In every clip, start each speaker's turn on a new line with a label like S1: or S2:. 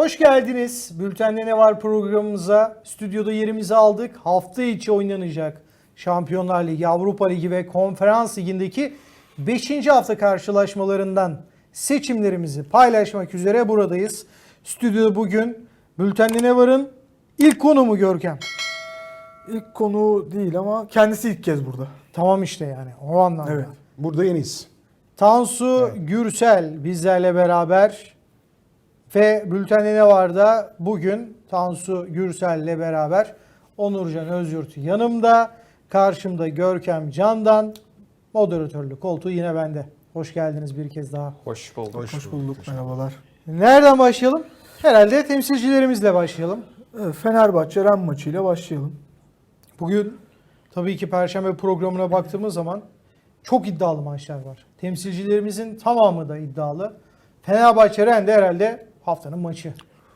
S1: Hoş geldiniz. Bülten'de ne var programımıza. Stüdyoda yerimizi aldık. Hafta içi oynanacak Şampiyonlar Ligi, Avrupa Ligi ve Konferans Ligi'ndeki 5. hafta karşılaşmalarından seçimlerimizi paylaşmak üzere buradayız. Stüdyoda bugün Bülten'de ne varın ilk konuğu Görkem.
S2: İlk konu değil ama kendisi ilk kez burada.
S1: Tamam işte yani o anlamda.
S2: Evet.
S3: Burada yeniyiz.
S1: Tansu Gürsel bizlerle beraber ve Bülten'de ne var da bugün Tansu Gürsel'le beraber Onurcan Özyurt yanımda, karşımda Görkem Candan, moderatörlük koltuğu yine bende. Hoş geldiniz bir kez daha.
S4: Hoş bulduk.
S2: Hoş bulduk. Merhabalar.
S1: Nereden başlayalım? Herhalde temsilcilerimizle başlayalım.
S2: Evet, Fenerbahçe Ren maçıyla başlayalım.
S1: Bugün tabii ki Perşembe programına baktığımız zaman çok iddialı maçlar var. Temsilcilerimizin tamamı da iddialı. Fenerbahçe Ren de herhalde haftanın maçı.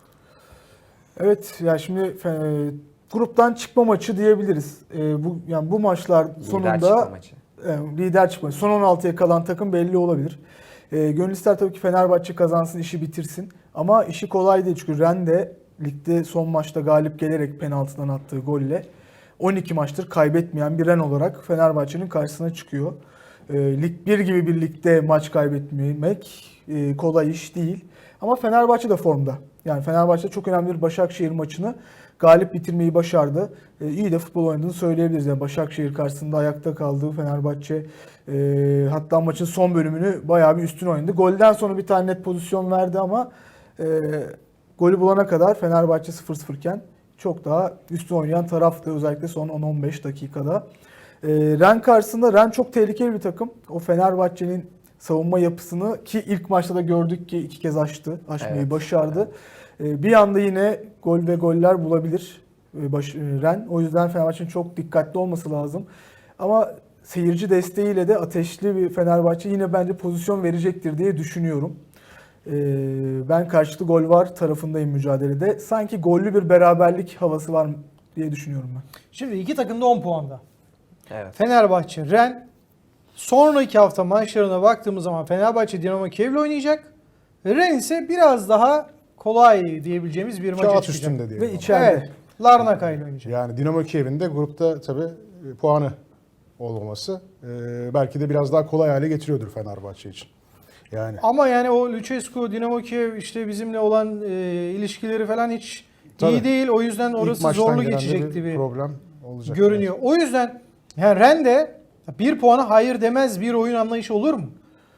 S2: Evet ya şimdi gruptan çıkma maçı diyebiliriz. Bu maçlar sonunda
S4: Lider çıkma maçı.
S2: Lider çıkma. Son 16'ya kalan takım belli olabilir. Gönül ister tabii ki Fenerbahçe kazansın, işi bitirsin. Ama işi kolay değil çünkü Ren de ligde son maçta galip gelerek penaltıdan attığı golle 12 maçtır kaybetmeyen bir Ren olarak Fenerbahçe'nin karşısına çıkıyor. Lig 1 gibi bir ligde maç kaybetmemek kolay iş değil. Ama Fenerbahçe de formda. Yani Fenerbahçe çok önemli bir Başakşehir maçını galip bitirmeyi başardı. İyi de futbol oynadığını söyleyebiliriz. Yani Başakşehir karşısında ayakta kaldı Fenerbahçe. Hatta maçın son bölümünü bayağı bir üstün oynadı. Golden sonra bir tane net pozisyon verdi ama golü bulana kadar Fenerbahçe 0-0 iken çok daha üstün oynayan taraftı. Özellikle son 10-15 dakikada. Ren karşısında Ren çok tehlikeli bir takım. O Fenerbahçe'nin savunma yapısını ki ilk maçta da gördük ki 2 kez aşmayı
S4: Evet.
S2: başardı. Bir anda yine gol ve goller bulabilir Ren. O yüzden Fenerbahçe'nin çok dikkatli olması lazım. Ama seyirci desteğiyle de ateşli bir Fenerbahçe yine bence pozisyon verecektir diye düşünüyorum. Ben karşılıklı gol var tarafındayım mücadelede. Sanki gollü bir beraberlik havası var diye düşünüyorum ben.
S1: Şimdi iki takım da 10 puanda.
S4: Evet.
S1: Fenerbahçe Ren. Sonraki hafta maçlarına baktığımız zaman Fenerbahçe Dinamo Kiev'le oynayacak. Ren ise biraz daha kolay diyebileceğimiz bir maça
S3: Kağıt
S1: çıkacak.
S3: üstünde diyelim.
S2: Ve
S3: ama.
S2: içeride.
S1: Evet. Larnaca ile oynayacak.
S3: Yani Dinamo Kiev'in de grupta tabii puanı olmaması belki de biraz daha kolay hale getiriyordur Fenerbahçe için. Yani
S1: Ama yani o Lucescu, Dinamo Kiev işte bizimle olan ilişkileri falan hiç
S3: Tabii.
S1: iyi değil. O yüzden
S3: ilk
S1: orası
S3: maçtan
S1: zorlu
S3: gelen de
S1: geçecekti bir
S3: problem olacak.
S1: görünüyor. O yüzden yani Ren de bir puana hayır demez bir oyun anlayışı olur mu?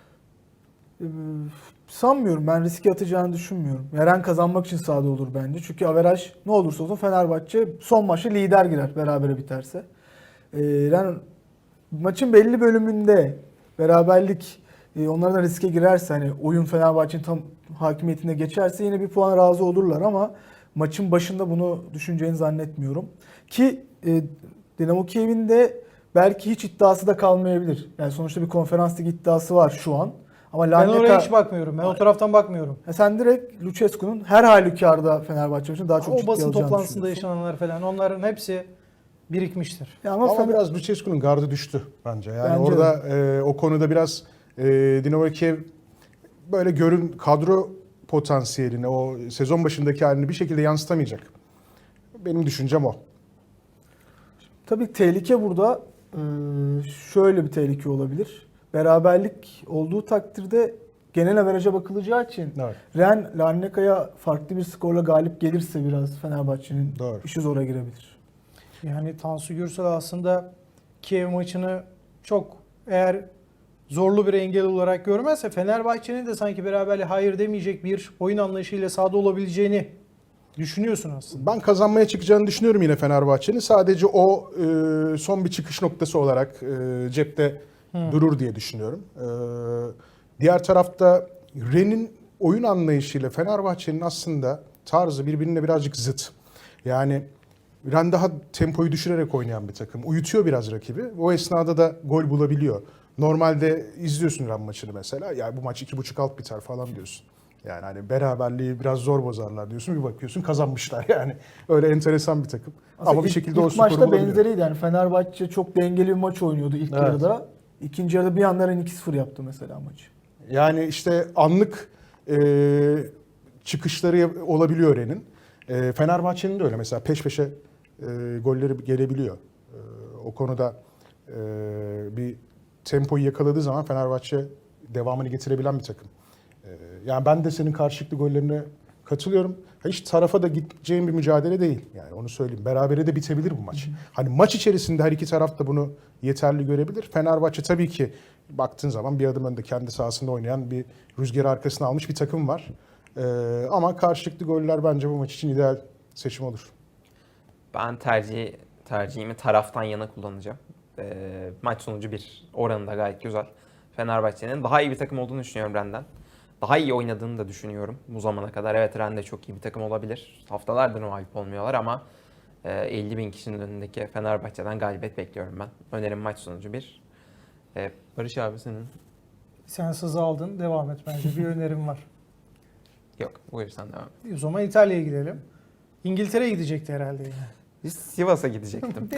S2: Sanmıyorum. Ben riske atacağını düşünmüyorum. Ren kazanmak için sahada olur bence. Çünkü averaj ne olursa olsun Fenerbahçe son maçı lider girer berabere biterse. Ren maçın belli bölümünde beraberlik onlardan riske girerse hani oyun Fenerbahçe'nin tam hakimiyetine geçerse yine bir puan razı olurlar ama maçın başında bunu düşüneceğini zannetmiyorum. Ki Dinamo Kiev'in de belki hiç iddiası da kalmayabilir. Yani sonuçta bir konferans ligi iddiası var şu an. Ama
S1: Ben oraya hiç bakmıyorum. Ben o taraftan bakmıyorum.
S2: sen direkt Lucescu'nun her halükarda Fenerbahçe için daha çok
S1: O
S2: ciddi
S1: basın
S2: alacağını
S1: toplantısında
S2: düşünüyorsun.
S1: yaşananlar falan onların hepsi birikmiştir.
S2: Ya
S3: Ama biraz Lucescu'nun gardı düştü bence. Yani
S2: Bence
S3: orada o konuda biraz Dinamo Kiev böyle kadro potansiyelini, o sezon başındaki halini bir şekilde yansıtamayacak. Benim düşüncem o.
S2: tabii tehlike burada şöyle bir tehlike olabilir. Beraberlik olduğu takdirde genel averaja bakılacağı için
S3: Evet.
S2: Ren Larnaca'ya farklı bir skorla galip gelirse biraz Fenerbahçe'nin
S3: Doğru.
S2: işi zora girebilir.
S1: Yani Tansu Gürsel aslında Kiev maçını çok eğer zorlu bir engel olarak görmezse Fenerbahçe'nin de sanki beraberliğe hayır demeyecek bir oyun anlayışıyla sahada olabileceğini düşünüyorsun aslında.
S3: Ben kazanmaya çıkacağını düşünüyorum yine Fenerbahçe'nin. Sadece o son bir çıkış noktası olarak cepte durur diye düşünüyorum. Diğer tarafta Ren'in oyun anlayışıyla Fenerbahçe'nin aslında tarzı birbirine birazcık zıt. Yani Ren daha tempoyu düşürerek oynayan bir takım. Uyutuyor biraz rakibi. O esnada da gol bulabiliyor. Normalde izliyorsun Ren maçını mesela. Ya bu maç 2.5 alt biter falan diyorsun. Yani hani beraberliği biraz zor bozarlar diyorsun. Bir bakıyorsun kazanmışlar yani. Öyle enteresan bir takım. Ama bir şekilde o
S2: ilk
S3: skoru
S2: maçta
S3: bulabiliyor.
S2: benzeriydi yani Fenerbahçe çok dengeli bir maç oynuyordu ilk
S3: Evet.
S2: yarıda. İkinci yarıda bir anda Ren 2-0 yaptı mesela maçı.
S3: Yani işte anlık çıkışları olabiliyor Rennes'in. Fenerbahçe'nin de öyle. Mesela peş peşe golleri gelebiliyor. O konuda bir tempoyu yakaladığı zaman Fenerbahçe devamını getirebilen bir takım. Yani ben de senin karşılıklı gollerine katılıyorum. Hiç tarafa da gideceğim bir mücadele değil. Yani onu söyleyeyim. Berabere de bitebilir bu maç. Hani maç içerisinde her iki taraf da bunu yeterli görebilir. Fenerbahçe tabii ki baktığın zaman bir adım önde kendi sahasında oynayan bir rüzgarı arkasına almış bir takım var. Ama karşılıklı goller bence bu maç için ideal seçim olur.
S4: Ben tercihimi taraftan yana kullanacağım. Maç sonucu 1 oranı da gayet güzel. Fenerbahçe'nin daha iyi bir takım olduğunu düşünüyorum Rennes'den. Daha iyi oynadığını da düşünüyorum bu zamana kadar. Evet, Rennes de çok iyi bir takım olabilir. Haftalardır mağlup olmuyorlar ama 50 bin kişinin önündeki Fenerbahçe'den galibiyet bekliyorum ben. Önerim maç sonucu 1. Barış abi senin?
S1: Sen sızı aldın. Devam et bence. Bir önerim var.
S4: Yok, buyur sen devam et.
S1: O zaman İtalya'ya gidelim. İngiltere'ye gidecekti herhalde yine.
S4: Biz Sivas'a gidecektim.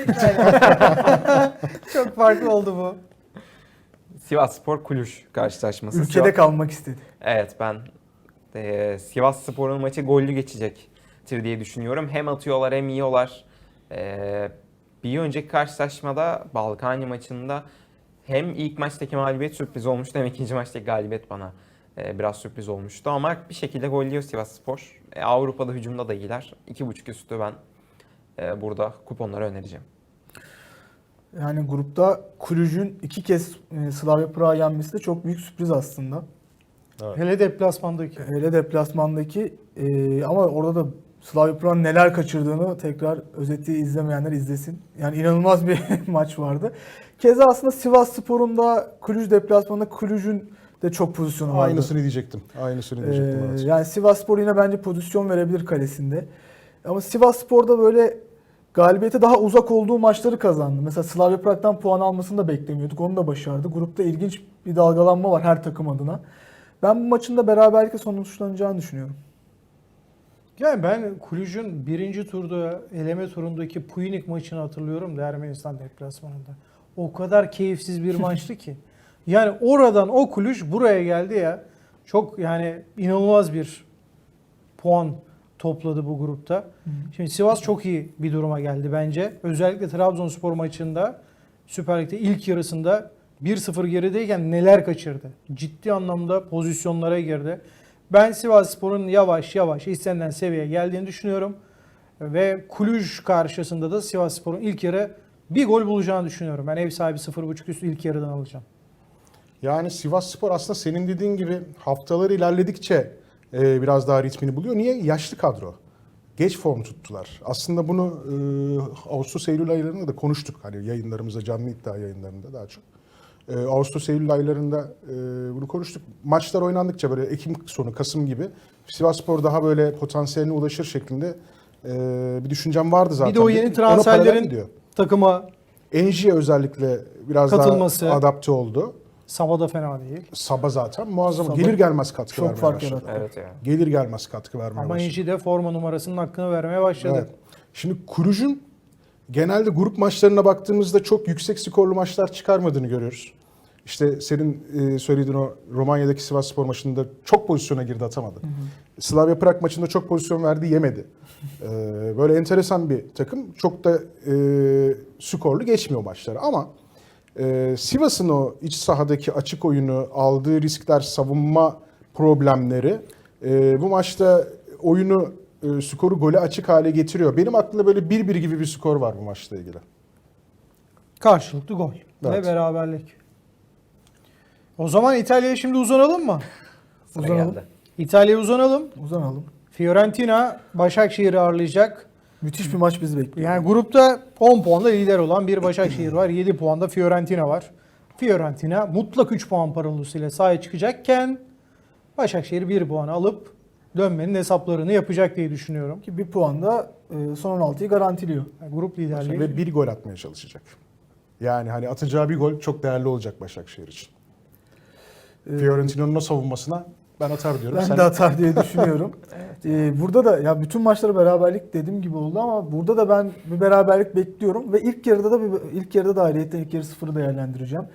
S1: Çok farklı oldu bu.
S4: Sivasspor Kulüş karşılaşması.
S2: Ülkede kalmak istedi.
S4: Evet, ben Sivasspor'un maçı gollü geçecektir diye düşünüyorum. Hem atıyorlar hem yiyorlar. Bir önceki karşılaşmada Balkani maçında hem ilk maçtaki mağlubiyet sürpriz olmuştu hem ikinci maçtaki galibiyet bana biraz sürpriz olmuştu. Ama bir şekilde golluyor Sivasspor. Avrupa'da hücumda da iyiler. 2.5 üstü ben burada kuponları önereceğim.
S2: Yani grupta Kulüj'ün 2 kez Slavia Prag'a yenmesi de çok büyük sürpriz aslında.
S1: Hele deplasmandaki.
S2: Hele deplasmandaki ama orada da Slavia Prag'ın neler kaçırdığını tekrar özeti izlemeyenler izlesin. Yani inanılmaz bir maç vardı. Keza aslında Sivasspor'un da Kulüj deplasmanında Kulüj'ün de çok pozisyonu vardı.
S3: Aynısını diyecektim. Evet.
S2: Yani Sivasspor yine bence pozisyon verebilir kalesinde. Ama Sivasspor'da böyle galibiyete daha uzak olduğu maçları kazandı. Mesela Slavia Prag'dan puan almasını da beklemiyorduk. Onu da başardı. Grupta ilginç bir dalgalanma var her takım adına. Ben bu maçın da beraberlikle sonuçlanacağını düşünüyorum.
S1: Yani ben Kulüj'ün birinci turda, eleme turundaki Puynik maçını hatırlıyorum da Ermenistan deplasmanında. O kadar keyifsiz bir maçtı ki. Yani oradan o Kulüj buraya geldi ya. Çok yani inanılmaz bir puan topladı bu grupta. Şimdi Sivas çok iyi bir duruma geldi bence. Özellikle Trabzonspor maçında Süper Lig'de ilk yarısında 1-0 gerideyken neler kaçırdı. Ciddi anlamda pozisyonlara girdi. Ben Sivasspor'un yavaş yavaş istenilen seviyeye geldiğini düşünüyorum. Ve Kulüj karşısında da Sivasspor'un ilk yarı bir gol bulacağını düşünüyorum. Ben ev sahibi 0.5 üstü ilk yarıdan alacağım.
S3: Yani Sivasspor aslında senin dediğin gibi haftalar ilerledikçe biraz daha ritmini buluyor. Niye? Yaşlı kadro. Geç form tuttular. Aslında bunu Ağustos-Eylül aylarında da konuştuk. Hani yayınlarımızda, canlı iddia yayınlarında daha çok. Ağustos-Eylül aylarında bunu konuştuk. Maçlar oynandıkça böyle Ekim sonu, Kasım gibi Sivasspor daha böyle potansiyeline ulaşır şeklinde bir düşüncem vardı zaten.
S1: Bir de o yeni
S3: Ona paralel
S1: transferlerin
S3: gidiyor.
S1: takıma
S3: Enji'ye özellikle biraz
S1: katılması.
S3: daha adapte oldu.
S1: Saba da fena değil.
S3: Sabah zaten muazzam.
S2: Sabah
S3: Gelir gelmez katkı
S2: çok
S3: vermeye
S2: fark
S3: başladı.
S2: yarattı.
S4: Evet ya.
S3: Gelir gelmez katkı vermeye
S1: Ama
S3: başladı.
S1: Enji de forma numarasının hakkını vermeye başladı.
S3: Evet. Şimdi Kulüj'ün genelde grup maçlarına baktığımızda çok yüksek skorlu maçlar çıkarmadığını görüyoruz. İşte senin söylediğin o Romanya'daki Sivasspor maçında çok pozisyona girdi, atamadı. Slavia Prag maçında çok pozisyon verdi, yemedi. Böyle enteresan bir takım. Çok da skorlu geçmiyor maçları ama Sivas'ın o iç sahadaki açık oyunu, aldığı riskler, savunma problemleri bu maçta oyunu, skoru gole açık hale getiriyor. Benim aklımda böyle 1-1 gibi bir skor var bu maçla ilgili.
S1: Karşılıklı gol
S3: Evet.
S1: ve beraberlik. O zaman İtalya'ya şimdi uzanalım mı?
S4: Sıra
S2: Uzanalım.
S4: geldi.
S1: İtalya'ya uzanalım.
S2: Uzanalım.
S1: Fiorentina Başakşehir'i ağırlayacak.
S2: Müthiş bir maç bizi bekliyor.
S1: Yani grupta 10 puanla lider olan bir Başakşehir var. 7 puanda Fiorentina var. Fiorentina mutlak 3 puan parolasıyla sahaya çıkacakken Başakşehir 1 puan alıp dönmenin hesaplarını yapacak diye düşünüyorum.
S2: Ki bir puan da son 16'yı garantiliyor.
S1: Yani grup liderliği.
S3: Ve bir gol atmaya çalışacak. Yani hani atacağı bir gol çok değerli olacak Başakşehir için. Fiorentina'nın o savunmasına ben atar diyorum.
S2: Ben
S3: Sen
S2: de atar diye düşünüyorum. Burada da ya bütün maçları beraberlik dediğim gibi oldu ama burada da ben bir beraberlik bekliyorum ve ilk yarıda da ayrıyetten ilk yarı 0'ı değerlendireceğim.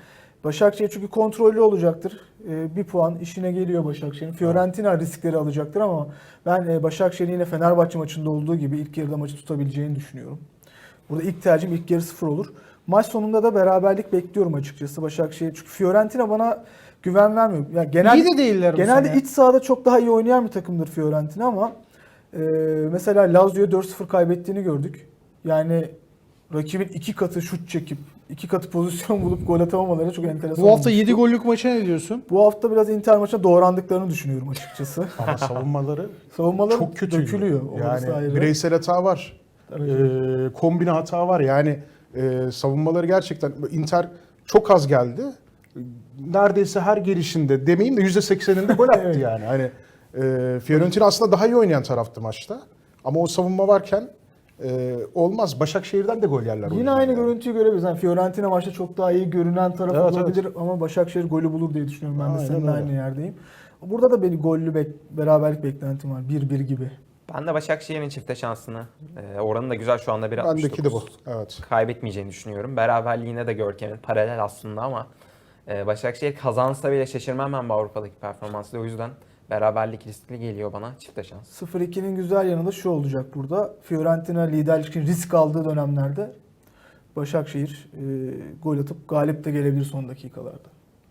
S2: Başakşehir çünkü kontrollü olacaktır. Bir puan işine geliyor Başakşehir'in. Fiorentina riskleri alacaktır ama ben Başakşehir'in yine Fenerbahçe maçında olduğu gibi ilk yarıda maçı tutabileceğini düşünüyorum. Burada ilk tercihim ilk yarı 0 olur. Maç sonunda da beraberlik bekliyorum açıkçası Başakşehir. Çünkü Fiorentina bana güven vermiyor. Yani
S1: İyi de değiller bu
S2: genelde
S1: sene.
S2: iç sahada çok daha iyi oynayan bir takımdır Fiorentina ama mesela Lazio'ya 4-0 kaybettiğini gördük. Yani rakibin 2 katı şut çekip 2 katı pozisyon bulup gol atamamaları çok enteresan
S1: Bu hafta
S2: olmuştu.
S1: 7 gollük maça ne diyorsun?
S2: Bu hafta biraz Inter maçına doğrandıklarını düşünüyorum açıkçası.
S3: Ama savunmaları
S2: Savunmaları
S3: çok kötü.
S2: dökülüyor. Orası
S3: Yani
S2: ayrı.
S3: bireysel hata var.
S2: Tabii.
S3: Kombine hata var. Yani savunmaları gerçekten Inter çok az geldi. Neredeyse her gelişinde demeyeyim de %80'inde gol attı
S2: Evet.
S3: yani. Hani Fiorentina aslında daha iyi oynayan taraftı maçta. Ama o savunma varken olmaz. Başakşehir'den de gol yerler.
S2: Yine aynı görüntüyü görebiliriz. Yani Fiorentina maçta çok daha iyi görünen taraf
S3: Evet,
S2: olabilir ama Başakşehir golü bulur diye düşünüyorum. Ben de
S3: Aynen
S2: seninle
S3: öyle.
S2: aynı yerdeyim. Burada da benim gollü beraberlik beklentim var. 1-1 gibi.
S4: Ben de Başakşehir'in çifte şansını, oranı da güzel şu anda 1.69.
S3: Bendeki de bu. Evet.
S4: Kaybetmeyeceğini düşünüyorum. Beraberliğine de Görkem'in paralel aslında ama Başakşehir kazansa bile şaşırmam ben bu Avrupa'daki performansıyla. O yüzden beraberlik riskli geliyor bana çifte şans.
S2: 0-2'nin güzel yanı da şu olacak burada. Fiorentina liderlik için risk aldığı dönemlerde Başakşehir gol atıp galip de gelebilir son dakikalarda.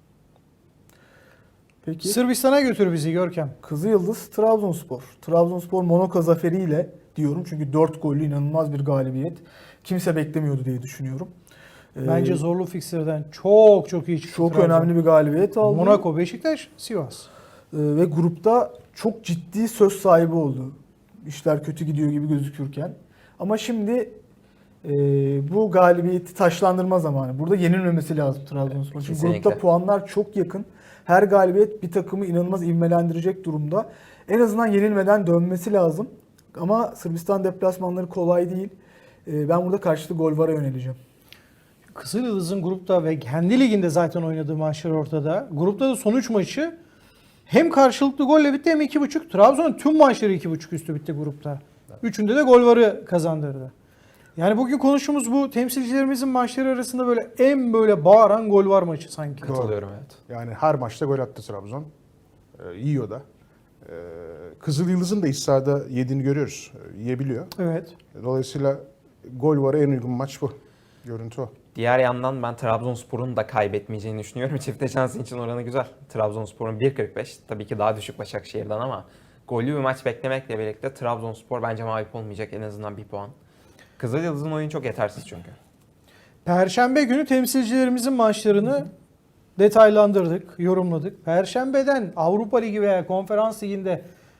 S2: Peki.
S1: Sırbistan'a götür bizi Görkem.
S2: Kızılyıldız Trabzonspor. Trabzonspor Monaco zaferiyle diyorum çünkü 4 gollü inanılmaz bir galibiyet. Kimse beklemiyordu diye düşünüyorum.
S1: Bence zorlu fikstürden çok iyi çıktı.
S2: Çok
S1: Trabzon.
S2: önemli bir galibiyet aldı.
S1: Monaco, Beşiktaş, Sivas.
S2: Ve grupta çok ciddi söz sahibi oldu. İşler kötü gidiyor gibi gözükürken. Ama şimdi bu galibiyeti taşlandırma zamanı. Burada yenilmemesi lazım Trabzonspor. Çünkü
S4: Kesinlikle.
S2: grupta puanlar çok yakın. Her galibiyet bir takımı inanılmaz ivmelendirecek durumda. En azından yenilmeden dönmesi lazım. Ama Sırbistan deplasmanları kolay değil. Ben burada karşılıklı gol vara yöneleceğim.
S1: Kızılyıldız'ın grupta ve kendi liginde zaten oynadığı maçlar ortada. Grupta da son 3 maçı hem karşılıklı golle bitti hem 2.5. Trabzon'un tüm maçları 2.5 üstü bitti grupta. Üçünde de gol varı kazandırdı. Yani bugün konuştuğumuz bu temsilcilerimizin maçları arasında böyle en böyle bağıran gol var maçı sanki.
S4: Katılıyorum evet.
S3: Yani her maçta gol attı Trabzon. Yiyor da. Kızılyıldız'ın da iç sahada yediğini görüyoruz. Yiyebiliyor.
S1: Evet.
S3: Dolayısıyla gol var en uygun maç bu. Görüntü o.
S4: Diğer yandan ben Trabzonspor'un da kaybetmeyeceğini düşünüyorum. Çifte şansı için oranı güzel. Trabzonspor'un 1.45 tabii ki daha düşük Başakşehir'den ama gollü bir maç beklemekle birlikte Trabzonspor bence mağlup olmayacak en azından 1 puan. Kızılyıldız'ın oyunu çok yetersiz çünkü.
S1: Perşembe günü temsilcilerimizin maçlarını detaylandırdık, yorumladık. Perşembeden Avrupa Ligi veya Konferans Ligi'nde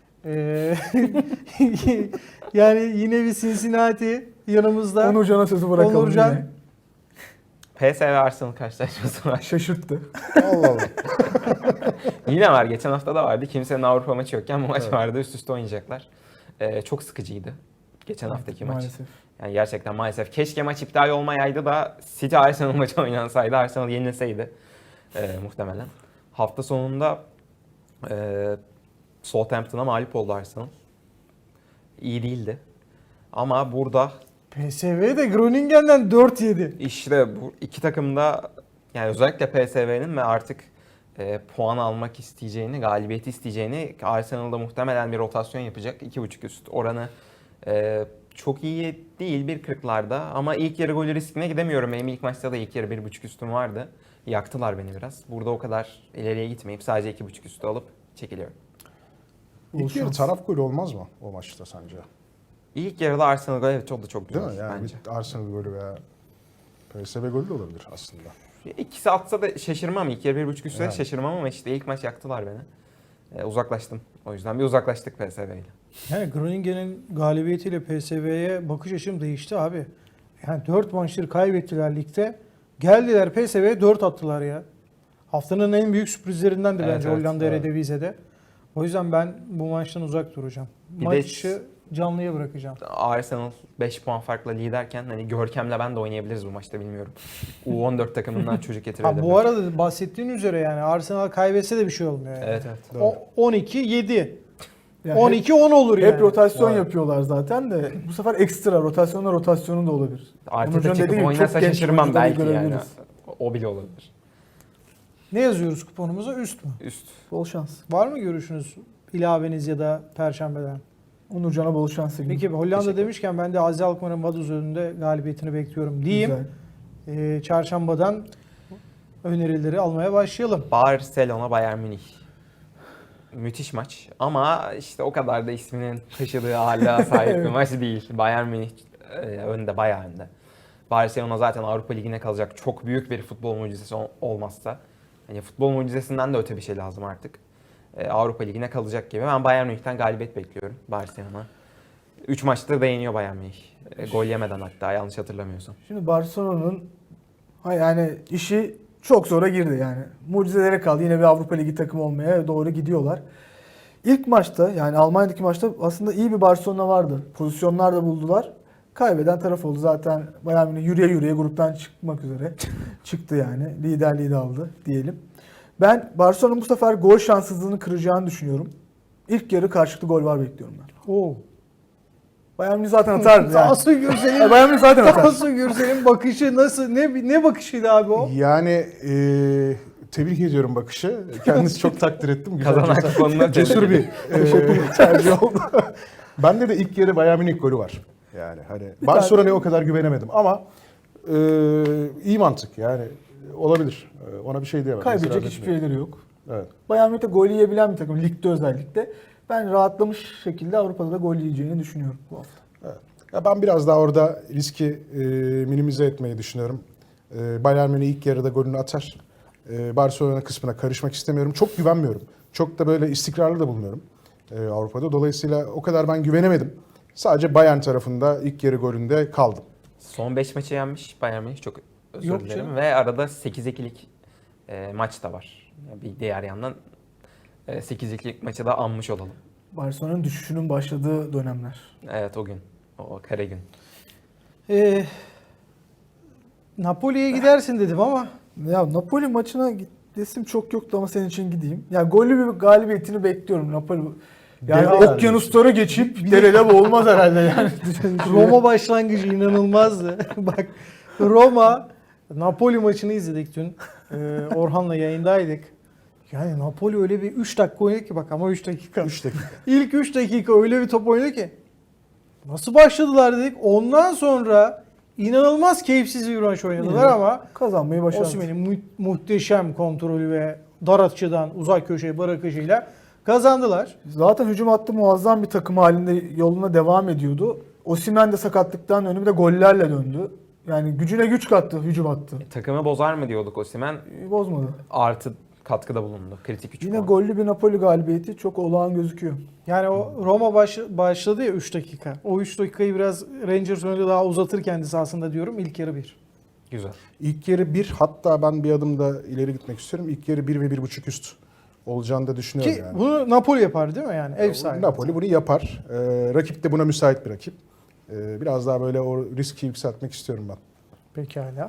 S1: yani yine bir Cincinnati yanımızda.
S2: Onurcan'a sözü bırakalım
S1: Onurcan.
S2: yine.
S4: PSV Arsenal karşılaşması var.
S2: Şaşırttı.
S3: Allah Allah.
S4: Yine var. Geçen hafta da vardı. Kimsenin Avrupa maçı yokken bu maç
S3: Evet.
S4: vardı. Üst üste oynayacaklar. Çok sıkıcıydı. Geçen haftaki maç.
S2: Maalesef.
S4: Yani gerçekten maalesef. Keşke maç iptal olmayaydı da City Arsenal maçı oynansaydı. Arsenal yenilseydi. Muhtemelen. Hafta sonunda Southampton'a mağlup oldu Arsenal. İyi değildi. Ama burada
S1: PSV de Groningen'den 4 yedi.
S4: işte bu iki takım da yani özellikle PSV'nin ve artık puan almak isteyeceğini, galibiyeti isteyeceğini, Arsenal'da muhtemelen bir rotasyon yapacak. 2.5 üst oranı çok iyi değil 1.40'larda ama ilk yarı golü riskine gidemiyorum. Benim ilk maçta da ilk yarı 1.5 üstüm vardı. Yaktılar beni biraz. Burada o kadar ileriye gitmeyip sadece 2.5 üstü alıp çekiliyorum.
S3: İlk yarı taraf golü olmaz mı o maçta sence?
S4: İlk yarıda Arsenal golü evet çok güzel
S3: Değil mi? Yani
S4: bence.
S3: bir Arsenal golü veya PSV golü de olabilir aslında.
S4: İkisi atsa da şaşırmam. İlk yarı 1.5 üstüne
S3: Yani.
S4: şaşırmam ama işte ilk maç yaktılar beni. Uzaklaştım. O yüzden bir uzaklaştık PSV ile.
S1: Yani Groningen'in galibiyetiyle PSV'ye bakış açım değişti abi. Yani 4 maçları kaybettiler ligde. Geldiler PSV'ye 4 attılar ya. Haftanın en büyük sürprizlerinden de
S4: Evet,
S1: bence
S4: evet,
S1: Hollanda
S3: evet.
S1: Eredivisie'de. O yüzden ben bu maçtan uzak duracağım.
S4: Bir de-
S1: Maçı canlıya bırakacağım.
S4: Arsenal 5 puan farkla liderken hani Görkem'le ben de oynayabiliriz bu maçta bilmiyorum. U14 takımından çocuk getirebilir.
S1: Ha, bu arada bahsettiğin üzere yani Arsenal kaybetse de bir şey olmuyor yani.
S4: Evet.
S1: O 12-7.
S2: Yani
S1: 12-10 olur yani.
S2: hep rotasyon
S3: Evet.
S2: yapıyorlar zaten de bu sefer ekstra rotasyonu da olabilir.
S4: Arteta
S2: Onurcan dediği
S4: çıkıp
S2: gibi
S4: oynasa
S2: çok genç
S4: şaşırmam
S2: oyuncuları
S4: belki yani.
S2: görebiliriz.
S4: O bile olabilir.
S1: Ne yazıyoruz kuponumuza? Üst mü?
S4: Üst.
S2: Bol şans.
S1: Var mı görüşünüz? İlaveniz ya da Perşembeden.
S2: Onurcan'a bol şans. sevgilim.
S1: Peki Hollanda
S4: Teşekkür
S1: demişken ben de Azi Alkmaar'ın Vaduz önünde galibiyetini bekliyorum diyeyim.
S2: Güzel.
S1: Çarşambadan önerileri almaya başlayalım.
S4: Barcelona Bayern Münih. Müthiş maç ama işte o kadar da isminin taşıdığı hala sahip bir
S2: Evet.
S4: maç değil. Bayern Münih önde, bayağı önde. Barcelona zaten Avrupa Ligi'ne kalacak, çok büyük bir futbol mucizesi olmazsa. Hani futbol mucizesinden de öte bir şey lazım artık. Avrupa Ligi'ne kalacak gibi. Ben Bayern Münih'ten galibiyet bekliyorum Barcelona. 3 maçtır da yeniyor Bayern Münih. Gol yemeden hatta, yanlış hatırlamıyorsam.
S2: Şimdi Barcelona'nın yani işi çok zora girdi yani. Mucizelere kaldı. Yine bir Avrupa Ligi takımı olmaya doğru gidiyorlar. İlk maçta yani Almanya'daki maçta aslında iyi bir Barcelona vardı. Pozisyonlar da buldular. Kaybeden taraf oldu. Zaten Bayern Münih yürüye yürüye gruptan çıkmak üzere çıktı yani. Liderliği de aldı diyelim. Ben Barcelona'nın bu sefer gol şanssızlığını kıracağını düşünüyorum. İlk yarı karşılıklı gol var bekliyorum ben.
S1: Oo.
S2: Bayern Münih zaten atardı yani.
S1: Tansu Gürsel'in
S2: Bayern Münih zaten atar.
S1: Tansu Gürsel'in bakışı nasıl? Ne bakışıydı abi o?
S3: Yani tebrik ediyorum bakışı. Kendisi çok takdir ettim. Güzel,
S4: Kazanan kuponuna
S3: cesur bir tercih oldu. Bende de ilk yarı Bayern Münih golü var. Yani hani Barcelona'ya o kadar güvenemedim ama iyi mantık yani olabilir. Ona bir şey diyemem.
S2: Kaybedecek
S3: İtiraz
S2: hiçbir
S3: etmiyorum.
S2: şeyleri yok.
S3: Evet.
S2: Bayern Münih de gol yiyebilen bir takım. Ligde özellikle. Ben rahatlamış şekilde Avrupa'da da gol yiyeceğini düşünüyorum bu hafta.
S3: Evet. Ya ben biraz daha orada riski minimize etmeyi düşünüyorum. Bayern Münih ilk yarıda golünü atar. Barcelona kısmına karışmak istemiyorum. Çok güvenmiyorum. Çok da böyle istikrarlı da bulmuyorum Avrupa'da. Dolayısıyla o kadar ben güvenemedim. Sadece Bayern tarafında ilk yarı golünde kaldım.
S4: Son 5 maçı yenmiş Bayern Münih, çok özür
S1: Yok
S4: dilerim.
S1: canım.
S4: Ve arada 8-2'lik maç da var. Bir diğer yandan 8-2'lik maçı da anmış olalım.
S2: Barcelona'nın düşüşünün başladığı dönemler.
S4: Evet, o gün. O kare gün.
S1: Napoli'ye gidersin dedim ama
S2: Ya Napoli maçına gidesim çok yoktu ama senin için gideyim. Ya gollü bir galibiyetini bekliyorum Napoli. Yani
S3: Deve
S2: okyanusları geçip derede boğulmaz herhalde yani.
S1: Roma başlangıcı inanılmazdı. Bak Roma Napoli maçını izledik dün. Orhan'la yayındaydık. Yani Napoli öyle bir 3 dakika oynadı ki bak ama 3 dakika.
S3: 3 dakika.
S1: İlk 3 dakika öyle bir top oynadı ki. Nasıl başladılar dedik. Ondan sonra inanılmaz keyifsiz bir maç oynadılar ama
S2: Kazanmayı başardı.
S1: Osimhen'in muhteşem kontrolü ve dar açıdan uzak köşeye bırakışıyla kazandılar.
S2: Zaten hücum hattı muazzam bir takım halinde yoluna devam ediyordu. Osimhen de sakatlıktan döndü, bir de gollerle döndü. Yani gücüne güç kattı hücum hattı.
S4: Takımı bozar mı diyorduk Osimhen.
S2: Bozmadı.
S4: Artı katkıda bulundu. Kritik 3
S2: Yine
S4: puan.
S2: gollü bir Napoli galibiyeti çok olağan gözüküyor.
S1: Yani o Roma başladı ya 3 dakika. O 3 dakikayı biraz Rangers önünde daha uzatır kendisi aslında diyorum. İlk yarı 1.
S4: Güzel.
S3: İlk yarı 1, hatta ben bir adım da ileri gitmek istiyorum. İlk yarı 1 ve 1.5 üst olacağını da düşünüyorum
S1: Ki
S3: yani.
S1: bunu Napoli yapar değil mi yani? Ev sahibi.
S3: Napoli bunu yapar. Rakip de buna müsait bir rakip. Biraz daha böyle o riski yükseltmek istiyorum ben.
S1: Pekala.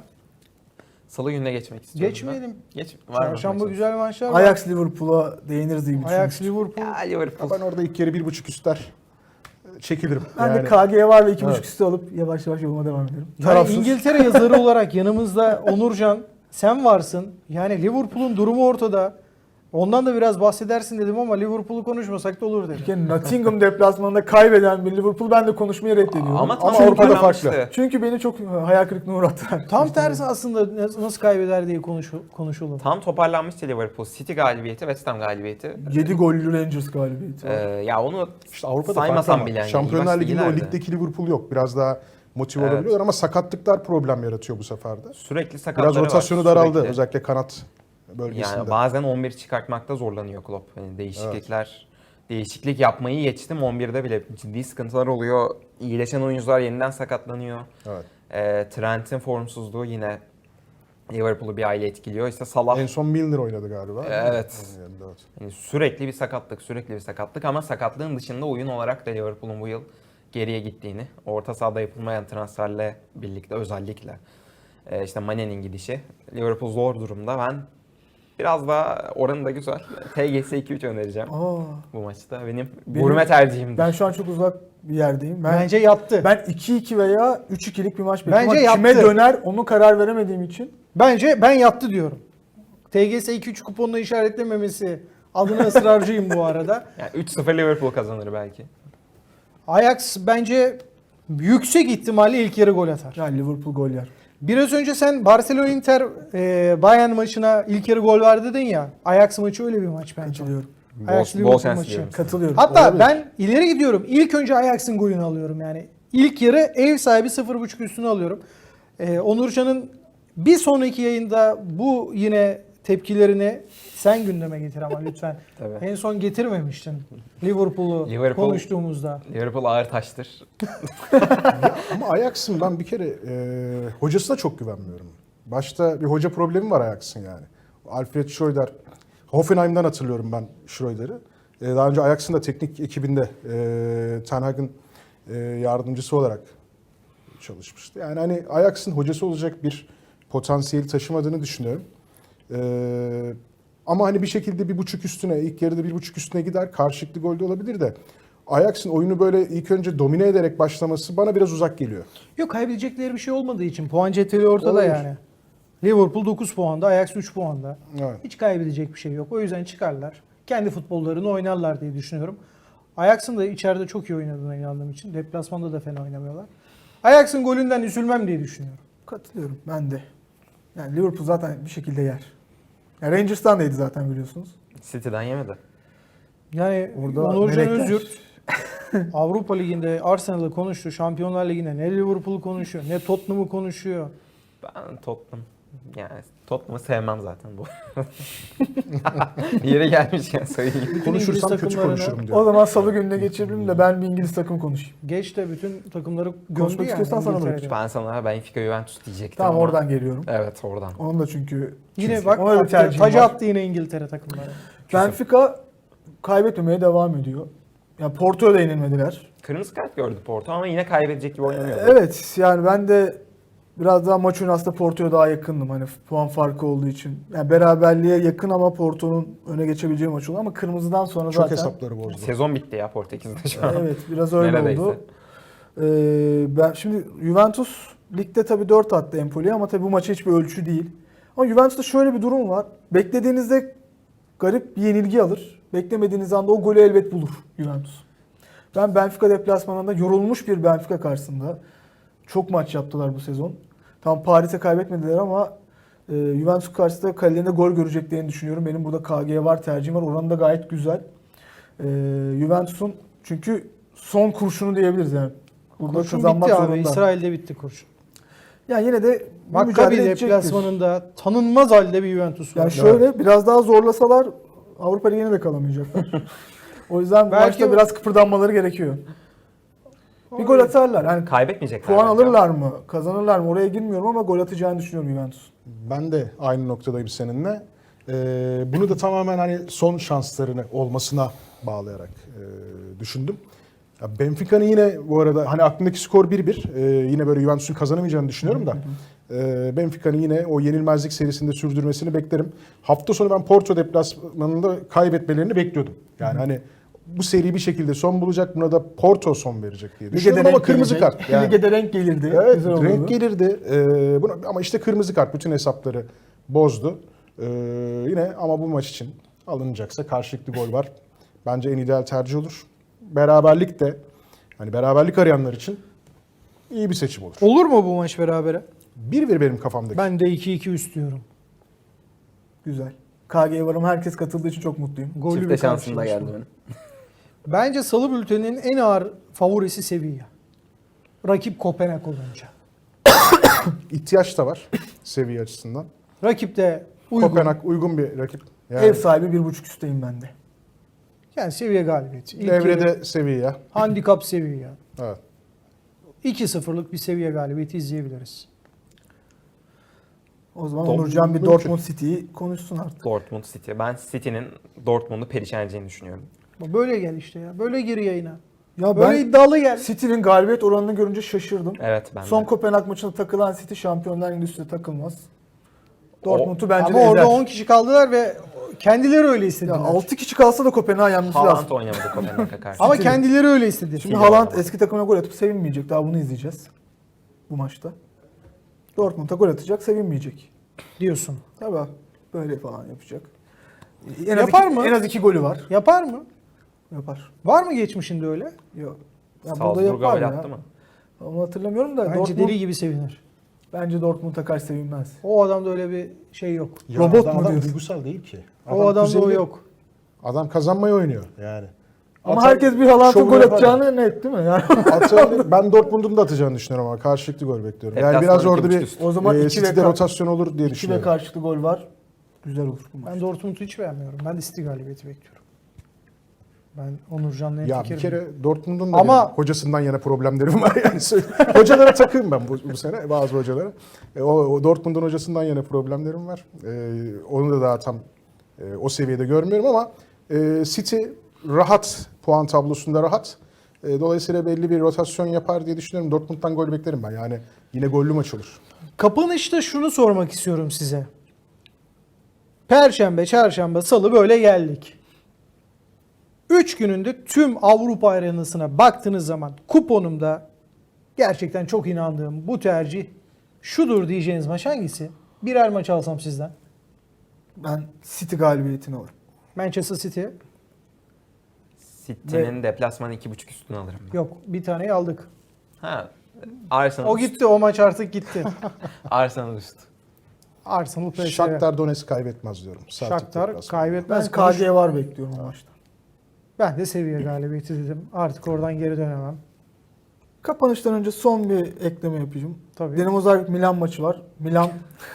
S4: Salı gününe geçmek istiyorum.
S1: Geçmeyelim.
S4: Ben. Geç. Var mı
S1: Çarşamba
S4: maçınız?
S1: güzel maçlar var.
S2: Ajax Liverpool'a değiniriz diye
S1: Ajax
S2: düşünmüştüm.
S1: Liverpool.
S4: Ya Liverpool.
S3: Ben orada ilk yarı 1.5 üstler çekilirim.
S2: Ben de
S3: Yani
S2: KG var ve 2.5
S3: Evet.
S2: üstü alıp yavaş yavaş yoluma devam ederim.
S1: Yani
S2: Tarafsız.
S1: İngiltere yazarı olarak yanımızda Onurcan sen varsın. Yani Liverpool'un durumu ortada. Ondan da biraz bahsedersin dedim ama Liverpool'u konuşmasak da olur dedim.
S2: Yani Nottingham deplasmanında kaybeden bir Liverpool ben de konuşmayı reddediyorum.
S4: Ama tam
S3: Avrupa'da
S4: toparlanmıştı.
S3: farklı.
S2: Çünkü beni çok hayal kırıklığına uğrattılar.
S1: Tam tersi aslında nasıl kaybeder diye konuşulur.
S4: Tam toparlanmıştı Liverpool. City galibiyeti, West Ham galibiyeti.
S2: 7 gollü Rangers galibiyeti.
S4: Ya onu
S3: işte Avrupa'da
S4: saymasam
S3: farklı ama
S4: bile. Yani.
S3: Şampiyonlar
S4: İyi
S3: Ligi'nde o
S4: ileride.
S3: ligdeki Liverpool yok. Biraz daha motive
S4: Evet.
S3: olabiliyorlar ama sakatlıklar problem yaratıyor bu sefer de.
S4: Sürekli sakatları
S3: Biraz rotasyonu
S4: var.
S3: daraldı
S4: Sürekli.
S3: özellikle kanat bölgesinde.
S4: Yani bazen 11 çıkartmakta zorlanıyor Klopp. Yani değişiklik yapmayı geçtim. 11'de bile ciddi sıkıntılar oluyor. İyileşen oyuncular yeniden sakatlanıyor.
S3: Evet.
S4: Trent'in formsuzluğu yine Liverpool'u bir aile etkiliyor. İşte Salah
S3: En son Milner oynadı galiba.
S4: Evet.
S3: Evet.
S4: yani sürekli bir sakatlık ama sakatlığın dışında oyun olarak da Liverpool'un bu yıl geriye gittiğini, orta sahada yapılmayan transferle birlikte özellikle işte Mane'nin gidişi, Liverpool zor durumda. Ben biraz daha oranı da güzel. TGS 2-3 önereceğim
S2: Aa,
S4: bu maçta. Benim gurme tercihimdir.
S2: ben şu an çok uzak bir yerdeyim.
S1: Bence yattı.
S2: Ben 2-2 veya 3-2'lik bir maç bekliyorum.
S1: Bence
S2: Ama kime
S1: yaptı.
S2: döner onu karar veremediğim için.
S1: Bence ben yattı diyorum. TGS 2-3 kuponla işaretlememesi adına ısrarcıyım bu arada.
S4: Yani 3-0 Liverpool kazanır belki.
S1: Ajax bence yüksek ihtimalle ilk yarı gol atar.
S2: Yani Liverpool gol yer.
S1: Biraz önce sen Barcelona Inter Bayern maçına ilk yarı gol var dedin ya. Ajax maçı öyle bir maç bence.
S2: Katılıyorum.
S1: Ajax
S4: Bol
S1: Liverpool
S4: şans
S1: maçı.
S4: diliyorum.
S2: Katılıyorum.
S1: Hatta
S2: Olabilir.
S1: ben ileri gidiyorum. İlk önce Ajax'ın golünü alıyorum yani. İlk yarı ev sahibi 0.5 üstünü alıyorum. Onurcan'ın bir sonraki yayında bu yine tepkilerini sen gündeme getir ama lütfen.
S4: Tabii.
S1: En son getirmemiştin Liverpool'u
S4: Liverpool-
S1: konuştuğumuzda.
S4: Liverpool ağır taştır.
S3: Ama Ajax'ın ben bir kere hocasına çok güvenmiyorum. Başta bir hoca problemi var Ajax'ın yani. Alfred Schreuder, Hoffenheim'den hatırlıyorum ben Schreuder'ı. Daha önce Ajax'ın da teknik ekibinde Ten Hag'ın yardımcısı olarak çalışmıştı. Yani hani Ajax'ın hocası olacak bir potansiyeli taşımadığını düşünüyorum. Ama hani bir şekilde 1.5 üstüne, ilk yarıda 1.5 üstüne gider. Karşılıklı golde olabilir de Ajax'ın oyunu böyle ilk önce domine ederek başlaması bana biraz uzak geliyor.
S1: Yok, kaybedecekleri bir şey olmadığı için puan cetveli ortada
S3: Olabilir.
S1: yani. Liverpool 9 puanda, Ajax 3 puanda.
S3: Evet.
S1: Hiç kaybedecek bir şey yok. O yüzden çıkarlar. Kendi futbollarını oynarlar diye düşünüyorum. Ajax'ın da içeride çok iyi oynadığına inandığım için deplasmanda da fena oynamıyorlar. Ajax'ın golünden üzülmem diye düşünüyorum.
S2: Katılıyorum ben de. Yani Liverpool zaten bir şekilde yer. Yani Rangers'tan da yedi zaten biliyorsunuz.
S4: City'den yemedi.
S1: Yani
S2: Orada
S1: Onurcan
S2: melekler.
S1: Özyurt Avrupa Ligi'nde Arsenal'ı konuştu. Şampiyonlar Ligi'nde ne Liverpool'u konuşuyor ne Tottenham'ı konuşuyor.
S4: Ben Tottenham'ı sevmem zaten bu. Yere gelmişken söyleyeyim.
S3: Konuşursam
S1: İngiliz
S3: kötü
S1: takımlarını-
S3: konuşurum diyor.
S2: O zaman salı gününe geçirelim de ben bir İngiliz takım konuşayım.
S1: Geç de bütün takımları gömdü
S2: Konuşmak
S1: yani.
S2: istiyorsan sana
S1: İngiltere'de.
S2: bırakacağım.
S4: Ben sana Benfica Juventus diyecektim
S2: Tamam
S4: ama.
S2: oradan geliyorum.
S4: Evet oradan.
S2: Onun da çünkü
S1: Yine bak
S2: ona bir
S1: attı,
S2: tercihim
S1: tacı
S2: var.
S1: attı yine İngiltere takımları.
S2: Benfica kaybetmemeye devam ediyor. Yani Porto'ya da yenilmediler.
S4: Kırmızı kart gördü Porto ama yine kaybedecek gibi oynamıyordu.
S2: Evet yani ben de biraz daha maç önü aslında Porto'ya daha yakındım. Hani puan farkı olduğu için. Yani beraberliğe yakın ama Porto'nun öne geçebileceği maç oldu. Ama kırmızıdan sonra
S3: Çok
S2: zaten...
S3: hesapları bozdu.
S4: Sezon bitti ya Portekiz'de şu an.
S2: Evet biraz öyle
S4: Neredeyse.
S2: oldu. Ben şimdi Juventus ligde tabii 4 attı Empoli'ye ama tabii bu maça hiçbir ölçü değil. Ama Juventus'ta şöyle bir durum var. Beklediğinizde garip bir yenilgi alır. Beklemediğiniz anda o golü elbet bulur Juventus. Ben Benfica deplasmanında yorulmuş bir Benfica karşısında çok maç yaptılar bu sezon. Tam Paris'e kaybetmediler ama Juventus karşısında kalelerinde gol göreceklerini düşünüyorum. Benim burada KG var tercihim var. Oranı da gayet güzel. Juventus'un çünkü son kurşunu diyebiliriz yani. Burada
S1: Kurşun
S2: kazanmak
S1: bitti abi.
S2: zorunda.
S1: İsrail'de bitti kurşun.
S2: Yani yine de bir
S1: Maccabi
S2: mücadele edecektir.
S1: deplasmanında tanınmaz halde bir Juventus var.
S2: Yani şöyle biraz daha zorlasalar Avrupa Ligi'ne de kalamayacaklar. O yüzden bu
S1: Belki
S2: maçta
S1: o-
S2: biraz kıpırdanmaları gerekiyor. Bir gol atarlar. Yani
S4: Kaybetmeyecekler.
S2: puan
S4: bence.
S2: alırlar mı? Kazanırlar mı? Oraya girmiyorum ama gol atacağını düşünüyorum Juventus.
S3: Ben de aynı noktadayım seninle. Bunu da tamamen hani son şanslarını olmasına bağlayarak düşündüm. Ya Benfica'nın yine bu arada hani aklımdaki skor 1-1. Yine böyle Juventus'un kazanamayacağını düşünüyorum da. Benfica'nın yine o yenilmezlik serisinde sürdürmesini beklerim. Hafta sonu ben Porto deplasmanında kaybetmelerini bekliyordum. Yani hani bu seri bir şekilde son bulacak. Buna da Porto son verecek diye düşünüyorum ama kırmızı
S2: gelecek.
S3: kart. Yani.
S2: Lige de renk gelirdi.
S3: Evet,
S2: Güzel olurdu.
S3: renk gelirdi. Ama işte kırmızı kart bütün hesapları bozdu. Yine ama bu maç için alınacaksa karşılıklı gol var. Bence en ideal tercih olur. Beraberlik de hani beraberlik arayanlar için iyi bir seçim olur.
S1: Olur mu bu maç berabere?
S3: 1-1 benim kafamdaki.
S1: Ben de 2-2 üst diyorum.
S2: Güzel. KG'ye varım. Herkes katıldığı için çok mutluyum.
S1: Gollü
S4: Çifte
S1: bir
S4: şansım da
S1: karşılaşma.
S4: geldi benim.
S1: Bence Salı bülteninin en ağır favorisi Sevilla. Rakip Kopenhag olunca.
S3: İhtiyaç da var seviye açısından.
S1: Rakip de uygun.
S3: Kopenhag uygun bir rakip. Yani
S2: Ev sahibi 1.5 üstteyim ben de.
S1: Yani seviye galibiyeti. İlk yarı
S3: devrede seviye.
S1: handikap Sevilla.
S3: Evet.
S1: 2-0'lık bir seviye galibiyeti izleyebiliriz.
S2: O zaman
S3: Dortmund
S2: Onurcan bir
S3: mümkün.
S2: Dortmund City'yi konuşsun artık.
S4: Dortmund City. Ben City'nin Dortmund'u perişan edeceğini düşünüyorum.
S1: Böyle gel işte ya. Böyle gir yayına.
S2: Ya
S1: Böyle
S2: ben
S1: iddialı gel.
S2: City'nin galibiyet oranını görünce şaşırdım.
S4: Evet ben
S2: Son
S4: de.
S2: Kopenhag maçında takılan City Şampiyonlar Ligi'nde üstüne takılmaz. Dortmund'u bence
S1: Ama
S2: de
S1: orada
S2: ezer.
S1: 10 kişi kaldılar ve kendileri öyle
S2: Ya
S1: istediler.
S2: 6 kişi kalsa da Kopenhag'ı yenmesi lazım.
S4: Haaland oynamadı Kopenhag'a karşı.
S1: Ama
S2: City.
S1: kendileri öyle istedi.
S2: Şimdi
S4: İyi
S2: Haaland
S4: oynamadı.
S2: eski takımına gol atıp sevinmeyecek. Daha bunu izleyeceğiz bu maçta. Dortmund'a gol atacak, sevinmeyecek.
S1: diyorsun.
S2: Tabii. Böyle falan yapacak.
S1: Yapar mı?
S2: En az 2 golü var.
S1: Yapar mı?
S2: Yapar.
S1: Var mı geçmişinde öyle?
S2: Yok. Ya burada
S4: Salzburg'a
S2: yapar
S4: gol
S2: ya.
S4: attı mı?
S2: Onu hatırlamıyorum da
S1: Bence deli gibi sevinir.
S2: Bence Dortmund'a karşı sevinmez.
S1: O adamda öyle bir şey yok.
S3: Ya
S2: Robot
S3: adam,
S2: mu
S3: adam
S2: diyorsun?
S3: duygusal değil ki.
S1: O adamda o
S3: kuzeyli.
S1: yok.
S3: Adam kazanmayı oynuyor yani.
S2: Ama
S3: Atar,
S2: herkes bir Haaland'ın
S3: şovunu
S2: gol
S3: yapar
S2: atacağını net değil mi? Yani
S3: Ben Dortmund'un da atacağını düşünüyorum ama karşılıklı gol bekliyorum. Yani
S4: Deplasman
S3: biraz orada
S4: 2.5
S3: bir
S4: üst.
S2: o zaman 2
S3: City'de
S2: ve
S3: rotasyon olur diye
S2: 2 ve
S3: düşünüyorum.
S2: karşılıklı gol var. Güzel olur bu maç.
S1: Ben Dortmund'u hiç beğenmiyorum. Ben de City galibiyeti bekliyorum. Ben Onurcan'la
S3: Ya bir
S1: fikrim.
S3: kere Dortmund'un da
S1: Ama-
S3: benim hocasından yana problemlerim var yani. Hocalara takığım ben bu sene bazı hocalara. O Dortmund'un hocasından yana problemlerim var. Onu da daha tam o seviyede görmüyorum ama City rahat, puan tablosunda rahat. Dolayısıyla belli bir rotasyon yapar diye düşünüyorum. Dortmund'dan gol beklerim ben. Yani yine gollü maç olur.
S1: Kapanışta şunu sormak istiyorum size. Perşembe, çarşamba, salı böyle geldik. 3 gününde tüm Avrupa arenasına baktığınız zaman kuponumda gerçekten çok inandığım bu tercih şudur diyeceğiniz maç hangisi? Birer maç alsam sizden.
S2: Ben City galibiyetini alırım.
S1: Manchester City.
S4: City'nin deplasmanı 2.5 üstüne alırım ben.
S1: Yok, bir taneyi aldık.
S4: Ha. Arsenal
S1: O
S4: üst.
S1: gitti, o maç artık gitti.
S4: Arsenal üst.
S1: Arsenal PSG.
S3: Shakhtar Donetsk kaybetmez diyorum. Celtic
S1: Shakhtar
S3: deplasmanı.
S1: kaybetmez.
S2: Ben KG var bekliyorum o maçta.
S1: Ben de seviye galibiyeti dedim. Artık oradan geri dönemem.
S2: Kapanıştan önce son bir ekleme yapacağım.
S1: Tabii.
S2: Dinamo Zagreb Milan maçı var. Milan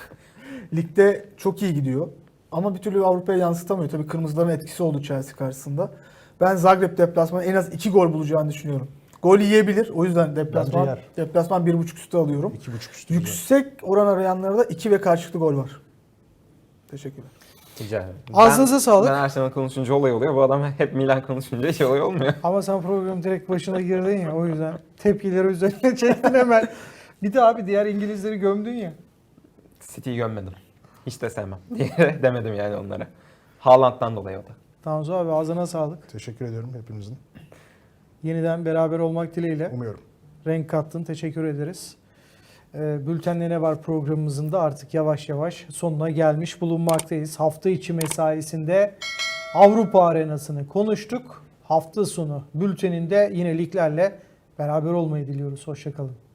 S2: ligde çok iyi gidiyor. Ama bir türlü Avrupa'ya yansıtamıyor. Tabii kırmızıların etkisi oldu Chelsea karşısında. Ben Zagreb deplasmanı en az 2 gol bulacağını düşünüyorum. Gol yiyebilir. O yüzden
S3: Bence
S2: deplasman
S3: yer.
S2: 1.5 üstü alıyorum.
S3: 2.5 üstü.
S2: Yüksek oran arayanlara da 2 ve karşılıklı gol var. Teşekkürler.
S4: Rica ederim.
S1: Ağzınıza sağlık.
S4: Ben Arsenal konuşunca olay oluyor. Bu adam hep Milan konuşunca hiç olay olmuyor.
S1: Ama sen programın direkt başına girdin ya, o yüzden tepkileri üzerine çektin hemen. Bir de abi diğer İngilizleri gömdün ya.
S4: City'yi gömmedim. Hiç de sevmem diye demedim yani onlara. Haaland'dan dolayı o da.
S1: Tanzu abi ağzına sağlık.
S3: Teşekkür ediyorum hepinizin.
S1: Yeniden beraber olmak dileğiyle.
S3: Umuyorum.
S1: Renk kattın. Teşekkür ederiz. Bülten'le ne var programımızın da artık yavaş yavaş sonuna gelmiş bulunmaktayız. Hafta içi mesaisinde Avrupa arenasını konuştuk. Hafta sonu bülteninde yine liglerle beraber olmayı diliyoruz. Hoşça kalın.